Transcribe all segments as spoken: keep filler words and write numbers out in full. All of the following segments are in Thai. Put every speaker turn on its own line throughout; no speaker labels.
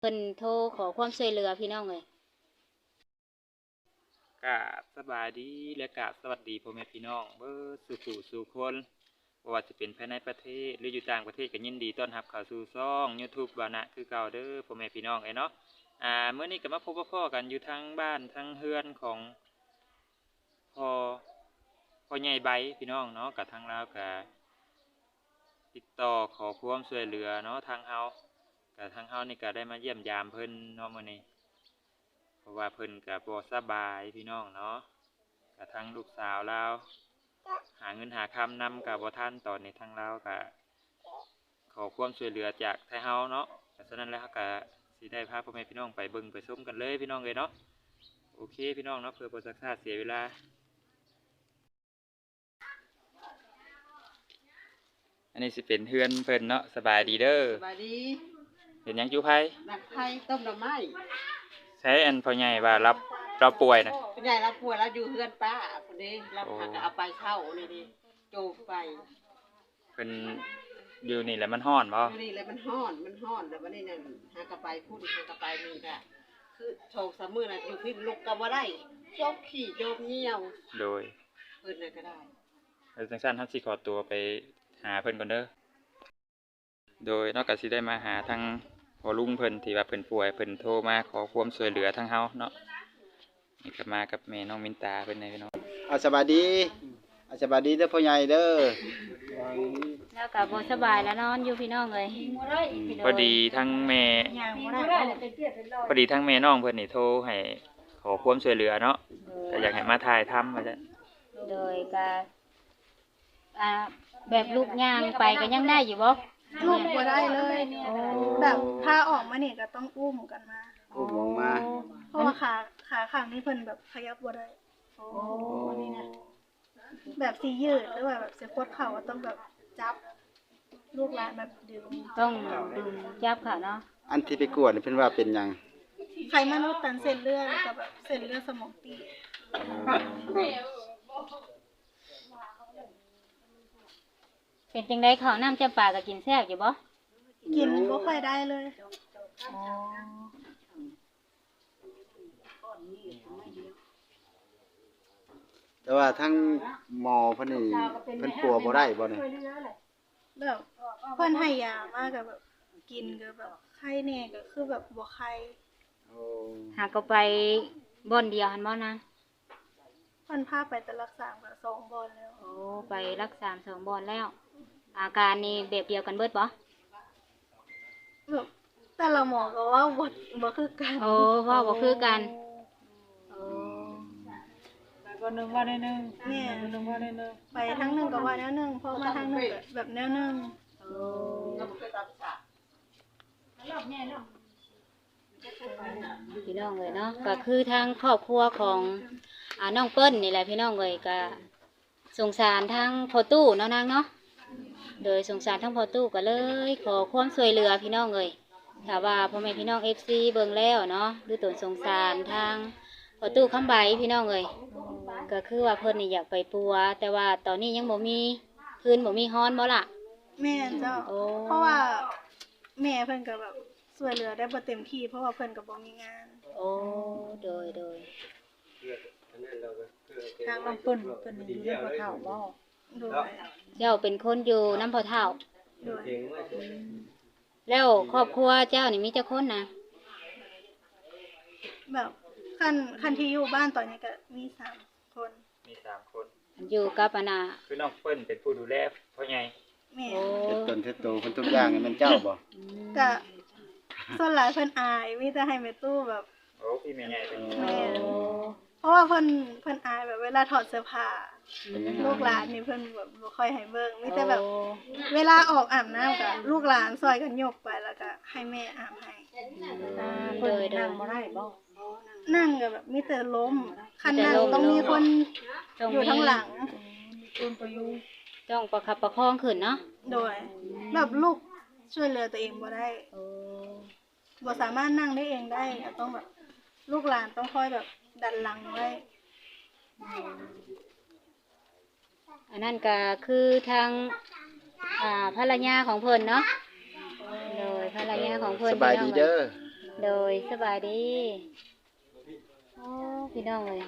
เพิ่นโทรขอความช่วยเหลือพี่น้องเลย
กราบสบายดีและกราบสวัสดีพ่อแม่พี่น้องเบิดสู่สู่สู่คนบ่ว่าจะเป็นภายในประเทศหรืออยู่ต่างประเทศก็ยินดีต้อนรับเข้าสู่ช่อง YouTube บานะคือเก่าเด้อพ่อแม่พี่น้องเอ้ยเนาะอ่ามื้อนี้ก็มาพบกับพ่อกันอยู่ทางบ้านทางเฮือนของพ่อพ่อใหญ่ใบพี่น้องเนาะกับทางลาวก็ติดต่อขอความช่วยเหลือเนาะทางเฮากับทางเฮานี่ก็ได้มาเยี่ยมยามเพิ่นเนาะมื้อนี้ เพราะว่าเพิ่นก็บ่สบายพี่น้องเนาะกับทางลูกสาวเราหาเงินหาคำนำกับบ่ทันตอนนี้ทางเราก็ขอความช่วยเหลือจากไทเฮาเนาะฉะนั้นแล้วก็สิได้พาพ่อแม่พี่น้องไปเบิ่งไปชมกันเลยพี่น้องเลยเนาะโอเคพี่น้องเนาะเพื่อบ่ซักษาเสียเวลาอันนี้สิเป็นเฮือนเพิ่นเนาะสบายดีเด้อ
สบายดี
เป็นหยังอยู่ไผ
ดักไผ่ต้มดอกไม้
ใช้อันพ่อใหญ่ว่ารับเราป่วยนะ
พ่อใหญ่รับป่วยแล้วอยู่เฮือนป้าคนนี้รับผักเอาไปเช่านี่ดิโจกไป
เพิ่นอยู่นี่แหละมันร้อนบ่
อยู่นี่เลยมันฮ้อนมันฮ้อนแล้ววันนี้นั่นหากระไปพุ่นหากระไปนี่ค่ะคือโชคสามมื้อน่ะอยู่พิษลุกก็บ่ได้โจกขี้โจกเหี่ยว
โดย
เพิ่นน่ะก็ได้
แล้วจังซั่นเฮาสิขอตัวไปหาเพิ่นก่อนเด้อโดยนอกจากสิได้มาหาทางพ่อลุงเพิ่นที่ว่าเพิ่นป่วยเพิ่นโทรมาขอความช่วยเหลือทางเฮาเนาะนี่ก็มากับแม่น้องมินตาเพิ่นนี่พี่น้อง
อาสบายดีอาสบายดีเด้อพ่อใหญ่เด้อ
แล้วก็บ่สบายแล้วนอนอยู่พี่น้องเลย
พอดีทั้งแม่พอดีทั้งแม่น้องเพิ่นนี่โทรให้ขอความช่วยเหลือเนาะก็อยากให้มาถ่ายทำว่าซั่น
โดยก็อ่าแบบลูกย่างไปก็ยังได้อยู่บ่
ลูกบ่ได้เลยแบบพาออกมานี่ก็ต้องอุ้มกันมา
อุ้มออกมา
เพราะว่าขาขาข้างนี้เพิ่นแบบขยับบ่ได้โอ้นี่นะแบบสิยืดหรือว่าแบบสิกดเข่าต้องแบบจับลูกหลานแบบดึง
ต้องดึงจับค่ะเนาะ
อันที่ไปกวดนี่เพิ่นว่าเป็นหยัง
ไขมันอุดตันเส้นเลือดแล้วก็แบบเส้นเลือดสมองตีบ
เป็นจังได๋ข้าวน้ำจำปาก็กินแซ่บอยู่บ่
กินบ่ค่อยได้เลย
อ๋อ
แต่ว่าทั้งหมอเพิ่นนี่เพิ่นปัวบ่ได้บ่นี่
แบบเพิ่นให้ยามาก็แบบกินก็แบบไข้แน่ก็คือแบบบ่ไข้
โอ้
หาก็ไปบ่อนเดียวหั่นบ่นะ
เพิ่นพาไปแต่รักษาก็สองบ่อนแล้ว
โอ้ไปรักษาสองบ่อนแล้วอาการนี่แบบเดียวกันเบิดบ่
แบบแต่ละหมอก็ว่าบ่บ่คือกัน
โอ้ว่าบ่คือกันโอ้
ก็นึงว่าได้นึง
แม่
นึงว่าได้นึง
ไปทางนึงก็ว่าแนวนึงพอมาทางนึงก็แบบแนวนึง
โอ้พี่น้องเลยเนาะก็คือทางครอบครัวของอ่าน้องเปิ้ลนี่แหละพี่น้องเลยก็สงสารทางพ่อตู้เนาะนางเนาะโดยสงสารทั้งพ่อตู้ก็เลยขอความช่วยเหลือพี่น้องเลยถ้าว่าพ่อแม่พี่น้อง เอฟ ซี เบิ่งแล้วเนาะหรือตนสงสารทางพ่อตู้คำใบพี่น้องเลยก็คือว่าเพิ่นนี่อยากไปปัวแต่ว่าตอนนี้ยังบ่มีพื้นบ่มีฮ้อนบ่ล่ะ
แม่เจ้าเพราะว่าแม่เพิ่นก็แบบช่วยเหลือได้บ่เต็มที่เพราะว่าเพิ่นก็บ่มีงาน
โอ้โดยโดย
ทางน้ำเปิ้นเพิ่นอยู่ในบ่อเฒ่าบ่
โดย
เจ้าเป็นคนอยู่น้ำพ่อเฒ่า
โดย
แล้วครอบครัวเจ้านี่มีจักคนนะ
แบบคันคันที่อยู่บ้านตอนนี้ก็มีสามคน
มีสามคน
อยู่กับอาณา
คือน้องเปิ้นเป็นผู้ดูแลพ่อใหญ่
แม่
เฮ็ดต้นเฮ็ดโตเพิ่นทุกอย่างนี่มันเจ้าบ่
ก็ส่วนหลายเพิ่นอายมีแต่ให้แม่ตู้แบบ
โอ้พี่แม่ใหญ่เป็น
แม่เพราะว่าเพิ่นเพิ่นอายแบบเวลาถอดเสื้อผ้าลูกหลานนี่เพิ่นแบบบ่ค่อยให้เบิ่งมีแต่แบบเวลาออกอาบน้ำก็ลูกหลานซอยกันยกไปแล้วก็ให้แม่อาบให้
โดยนั่ง
บ่ได้บ่
นั่งก็แบบมีแต่ล้มคันนั่งต้องมีคนอยู่ข้างหลัง
คนประยุง
ต้องประคับประคองขึ้นเนาะ
โดยแบบลูกช่วยเหลือตัวเองบ่ได้บ่สามารถนั่งได้เองได้ต้องแบบลูกหลานต้องคอยแบบดันหลังไว้
อันนั้นก็คือทางอ่าภรรยาของเพิ่นเนาะโดยภรรยาของเพิ่น
สบายดีเด้อ
โดยสบายดีโอ้พี่น้องเลย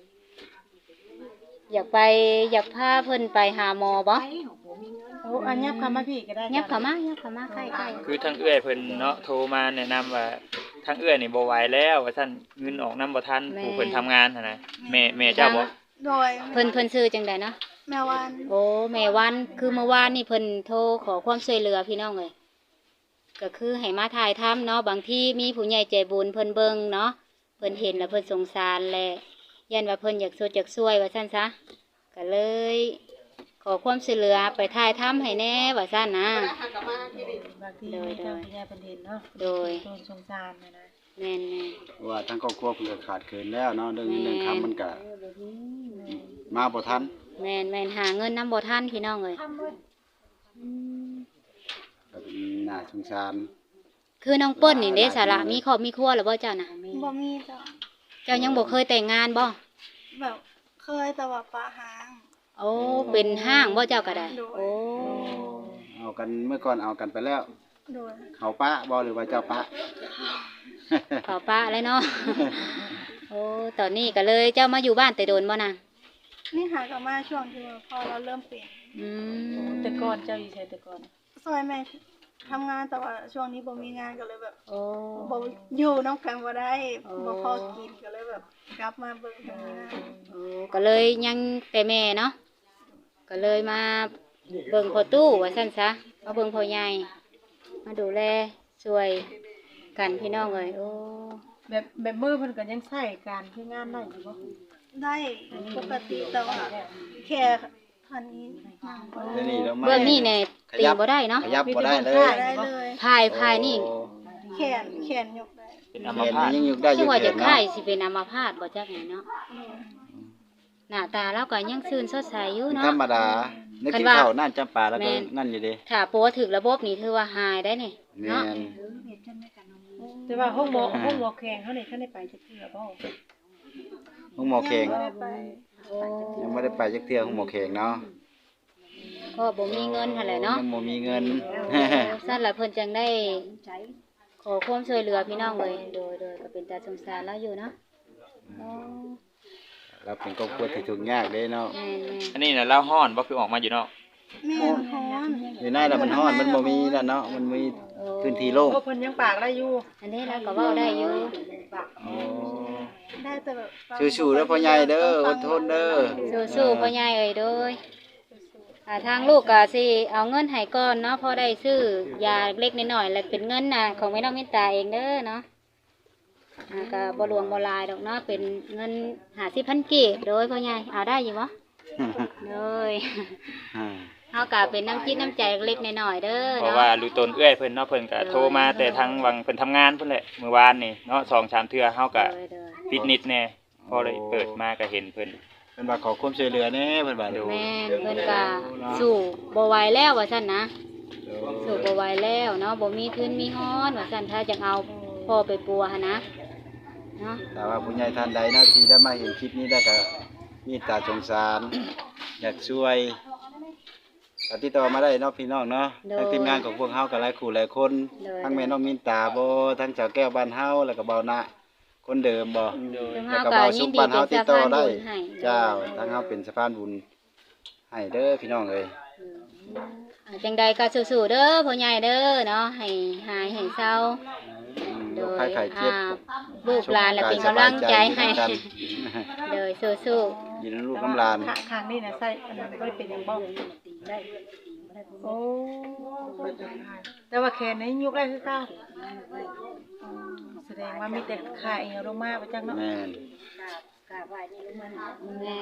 อยากไปอยากพาเพิ่นไปหาหมอบ่
โอ้อันยับคำมาพี่ก็ได้
ยับเข้ามายับเข้ามาใกล้ๆ
คือทางเอื้อยเพิ่นเนาะโทรมาแนะนำว่าทางเอื้อยนี่บ่ไหวแล้วว่าซั่นเงินออกนำบ่ทันผู้เพิ่นทำงานหั่นน่ะแม่แม่เจ้าบ่
โดย
เพิ่นเพิ่นซื้อจังไดเนาะ
แม่วัน
โอ้แม่วันคือเมื่อวานนี่เพิ่นโทรขอความช่วยเหลือพี่น้องเลยก็คือให้มาถ่ายทำเนาะบางที่มีผู้ใหญ่ใจบุญเพิ่นเบิ่งเนาะเพิ่นเห็นแล้วเพิ่นสงสารแหละยันว่าเพิ่นอยากสดอยากช่วยว่าซั่นซะก็เลย ขอความช่วยเหลือไปถ่ายทำให้แน่ว่าซั่นนะ
บางทีมีเจ้าพี่ยาเป็นเห็นเนาะ
โดย
โดนสงสารนะนะ
แม่น
ว่าทั้งครอบครัวเพิ่นก็ขาดเขินแล้วเนาะเรื่องนี้เรื่องคำมันก็มาบ่ทัน
ๆแม่นแม่นหาเงินนำบ่ทันพี่น้องเลย
ก็เป็นน่าสงสาร
คือน้องเปิ้ลนี่เด้สาระมีครอบมีครัวแล้วบ่เจ้าน่ะ
บ่มีจ้ะ
เจ้ายังบ่เคยแต่งงานบ่
แบบเคยแต่ว่าปลาหาง
โอ้เป็นห้างบ่เจ้าก็ได้โอ้
เอากันเมื่อก่อนเอากันไปแล้ว
โดย
เขาป้าบ่หรือว่าเจ้าป้า
ขอป้าเลยเนาะ โอ้ตอนนี้ก็เลยเจ้ามาอยู่บ้านแต่โดนบ่นาง
นี่หากลับมาช่วงที่ว่าพอเราเริ่มเปลี่ยน
อืม
แต่ก่อนเจ้าอยู่ใช่แต่ก่อน
ซอยแม่ทำงานแต่ว่าช่วงนี้บ่มีงานก็เลยแบบ
โอ้
บ่อยู่น้องกันบ่ได้
โอ้
บ่พอกินก็เลยแบบกลับมาเบิ่งทำงาน
โอ้ก็เลยยังแต่แม่เนาะ ก็เลยมาเบิ่งพ่อตู้ว่าซั่นซะมาเบิ่งพ่อใหญ่ มาดูแลช่วยกันพี่น้องเอ้ยโอ้
แบบแบบมือเพิ่นก็ยังใช้การคืองานได้อยู่บ่
ได้ปกติแต่ว่าแค่พันนี้นั่งบ่
เดี๋ยวนี้เรามา
เบื้องนี้เนี่ยตีบ่ได้เนาะ
ขยับบ่ได้เลย
ได้เลย
พายพายนี่
โอ้
แขนแขนยกได้
เป็นอัม
แขน
พาต
นี่ยังอยู่ได้อ
ชื่
ยู่
อว่า
แข
จะ
น
ค่า
เนาะ
ยสิเป็นอัมพาตบ่จักไงเนาะ หน้าตาเราก็ยังซื่นสดใสอยู่
ธร
เนาะ
รมดานึก
คัน
กิน
ว่า
ข้าวนั่นจำปาแล้วก็
แม่น
นั่นอยู่เดิ
ถ้าปัวถึกระบบนี่ถือว่าหายได้นี่
แม่
เนาะ
น
แต่ว่าห้องหมอห้องหมอแข่งเขานี่ท่านได้ไปจักเทื่อบ่
ห้องหมอแขง
ยังบ่ได้ไป
โอ้
ยังไม่ได้ไปจักเทื่อห้องหมอแขงเนาะ
ก็บ่มีเงินหั่นแหละเนาะ
ยังบ่มีเงิน
สั่นล่ะเพิ่นจังได้ขอความช่วยเหลือพี่น้องเลยโดยโดยก็เป็นตาสงสารเราอยู่เนาะโอ้
เราเป็นครอบครัวที่ทุกข์ยากเด้เนาะ
แม่น
อันนี้น่ะเล่าฮ้อนบ่คือออกมาอยู่เนาะ
แม่นฮ้อน
อยู่ในแล้วมันร้อนมันบ่มีนั่นเนาะมันมี
ๆโอ้
พื้นที่โล่ง
โอ้เพิ่นยังปากได้อยู่
อันนี้เราก็เว้าได้อยู่
โอ้
ได้แต่แบบ
สู้ๆเด้อพ่อใหญ่เด้ออดทนเด้อ
สู้ๆพ่อใหญ่เอ้ยโดยอ่าทางลูกก็สิเอาเงินให้ก่อนเนาะพอได้ซื้อยาเล็กๆน้อยๆแล้วเป็นเงินน่ะของแม่น้องมิตตาเองเด้อเนาะอ่าก็บ่หลวงบ่หลายดอกเนาะเป็นเงินห้าสิบพันกีบโดยพ่อใหญ่เอาได้อยู่บ่โดย
อ่า
เฮาก็เป็นน้ำจิตน้ำใจเล็กๆน้อยๆเด้อ
เพราะ
เนาะ
ว่ารู้ตนเอื้อยเพิ่นเนาะเพิ่นก็โทรมาแต่ทางวังเพิ่นทำงานเพิ่นแหละเมื่อวานนี่เนาะสองสามเทื่อเฮาก็
โดยโดย
ฟิตนิสแน่พอเลยเปิดมาก็เห็นเพิ่น
เพิ่นว่าขอความช่วยเหลือแหน่เพิ่นว่า
ดู
แม่นเพิ่นก็สู้บ่ไหวแล้วว่าซั่นนะสู้บ่ไหวแล้วเนาะบ่มีทุนมีฮ้อนว่าซั่นถ้าจะเอาพ่อไปปัวหั่นนะเนาะ
แต่ว่าผู้ใหญ่ท่านใดเนาะที่ได้มาเห็นคลิปนี้ได้ก็มีตาสงสาร อยากช่วยก็ติดต่อมาได้เนาะพี่น้องเนาะทางทีมงานของพวกเฮาก็หลายคู่หลายคนทั้งแม่น้องมินตาบ่ทั้งเจ้าแก้วบ้านเฮาแล้วก็เบานะคนเดิมบ่
ซึ่ง
แล้ว
เฮา
ก็
ก็
เบา
ยิ
สุ
น
ข
ดี
บ้าน
เป็
เฮาน ติด
สะ
ต่อ
พาน
ได้
บุญให้
เจ้าทั้งเฮาเป็นสะพานบุญให้เด้อพี่น้องเอ้ย
อ่าจังใดก็สู้ๆเด้อพ่อใหญ่เด้อเนาะให้หายให้เศร้า
อืม
โด
โรค
ย
ภัยไข้เจ็บ
อ่าลูกหลานและเป็นกำลังใจให้
สบาย
โดยสู้
อยู่ในลูกน้ำลาน
ข้างข้างนี่น่ะใส่อันนั้นบ่ได้เป็นหยังบ่ได้โอ้แต่ว่าแขนนี้ยกได้คือเก่าอ๋อแสดงว่ามีแต่ขาเอวลงมาบ่จักเนาะ
แม่น
ๆแม่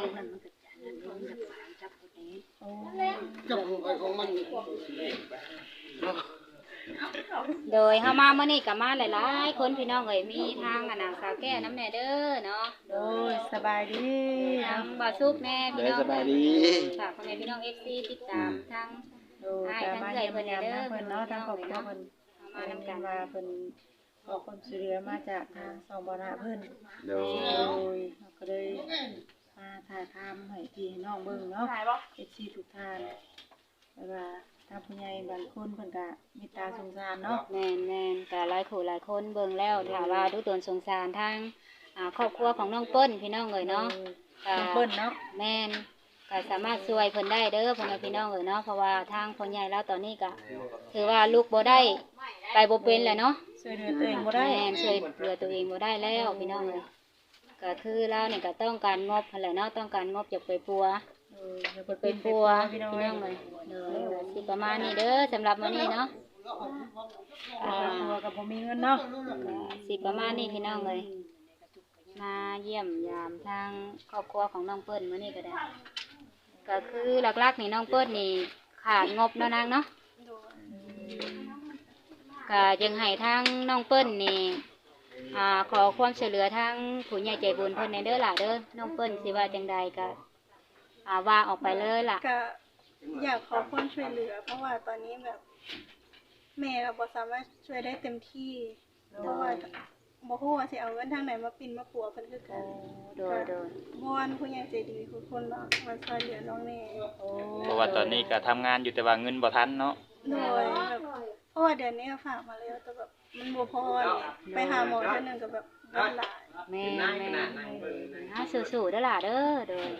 โดยเฮามามื้อนี้ก็มาหลายๆคนพี่น้องเอ้ยมีทางอะนางสาวแก้วน้ำแน่เด้อเนาะ
โอ้ยสบายดี
ทางบ่าวซุปแม่พี่
เด้อ
น้อง
สบายดี
ฝากพ่อแม่พี่น้อง เอฟ ซี ติดตามทาง
โอ้ยแต่มาเยี่ยมยามทางเพิ่นเนาะทางครอบครัวเพิ่น
เอามา
มา
นํกัน
มาเพิ่นขอความช่วยเหลือมาจากทางสองบ่อนาเพิ่น
โด
โด
ย
ยเราก็เลยมาถ่ายทำให้พี่ให้น้องเบิ่งเนาะ เอฟซีทุกท่านแล้วว่าถ้าผู้ใหญ่บางคนเพิ่นก็เมตตาสงสารเนาะ
แม่นแม่นก็หลายคู่หลายคนเบิ่งแล้วถ้าว่าดูตนสงสารทางอ่าครอบครัวของน้องเปิ้ลพี่น้องเอ้ยเนาะก็
น้องเปิ้ลเนาะ
แม่นก็สามารถช่วยเพิ่นได้เด้อพ่อแม่พี่น้องเอ้ยเนาะเพราะว่าทางพ่อใหญ่แล้วตอนนี้ก็ถือว่าลูกบ่ได้ไปบ่เป็นแล้วเนาะ
ช่วยเหลือตัวเองบ่ได้
แม่นช่วยเหลือตัวเองบ่ได้แล้วพี่น้องเอ้ยก็คือเราเนี่ยก็ต้องการงบหั่นแหละเนาะต้องการงบจากไปปัว
เอออย่าไป
ไป
เป็น
ปัว
พี่
พี่
น้อง
น้อง
เล
เลย ยเด้อก็สิประมาณนี้เด้อสำหรับมื้อนี้เนาะอ่า
ตัวกับบ่มีเงินเนาะ
ก็สิประมาณนี้พี่น้องเลยมาเยี่ยมยามทางครอบครัวของน้องเปิ้ลมื้อนี้ก็ได้ ก็คือหลักๆนี่น้องเปิ้ลนี่ขาดงบเนาะนางเนาะ
โดย
ก็ยังให้ทางน้องเปิ้ลนี่อ่าขอความช่วยเหลือทางผู้ใหญ่ใจบุญเพิ่นในเด้อล่ะเด้อน้องเปิ้ลสิว่าจังใดก็อ่าว่าออกไปเลยล่ะ
ก็อยากขอความช่วยเหลือ เพราะว่าตอนนี้แบบแม่ก็บ่สามารถช่วยได้เต็มที่ เพราะว่าบ่ฮู้ว่าสิเอาเงินทางไหนมาปิ่นมาปัวเพิ่นคือกัน
โดยโดย
วอนผู้ใหญ่ใจดีทุกคนเนาะมาช่วยเหลือน้องแน่
เพราะว่าตอนนี้ก็ทำงานอยู่แต่ว่าเงินบ่ทันเนาะ
โดยแบบเพราะว่าเดือนนี้ก็ฝากมาแล้วแต่แบบมันบ่พอเนี่ยไปหาหมอเทื่อนึงก็แบบเงินหลาย
แม่แม่ฮาสู้ๆเด้อล่ะเด้อโดย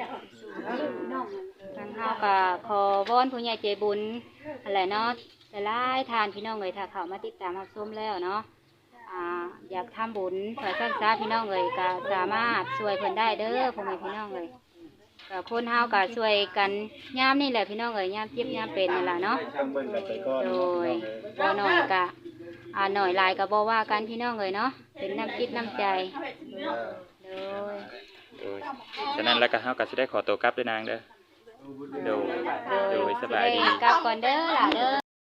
ทางเฮาก็ขอวอนผู้ใหญ่ใจบุญอะไรเนาะหลายๆทานพี่น้องเอ้ยถ้าเข้ามาติดตามรับชมแล้วเนาะอ่าอยากทำบุญเพื่อสร้างสาพี่น้องเอ้ยก็สามารถช่วยเพิ่นได้เด้อพ่อแม่พี่น้องเอ้ยก็คนเฮาก็ช่วยกันยามนี่แหละพี่น้องเอ้ยยามเจ็บยามเป็นนั่นล่ะเนาะ
ช่างเบิ่งกันไปก่อน
โด
เนาะพี่น้องเอ้ย
ยบ่น้อยก็อ่าหน่อยหลายก็บ่ว่ากันพี่น้องเอ้ยเนาะเป็นน้ำจิตน้ำใจ
เออ
โดย
โดยฉะนั้นแล้วก็เฮาก็สิได้ขอตัวกลับเด้อนางเด้อโดยโดยสบายดี
กลับก่อนเด้อล่ะเด้อ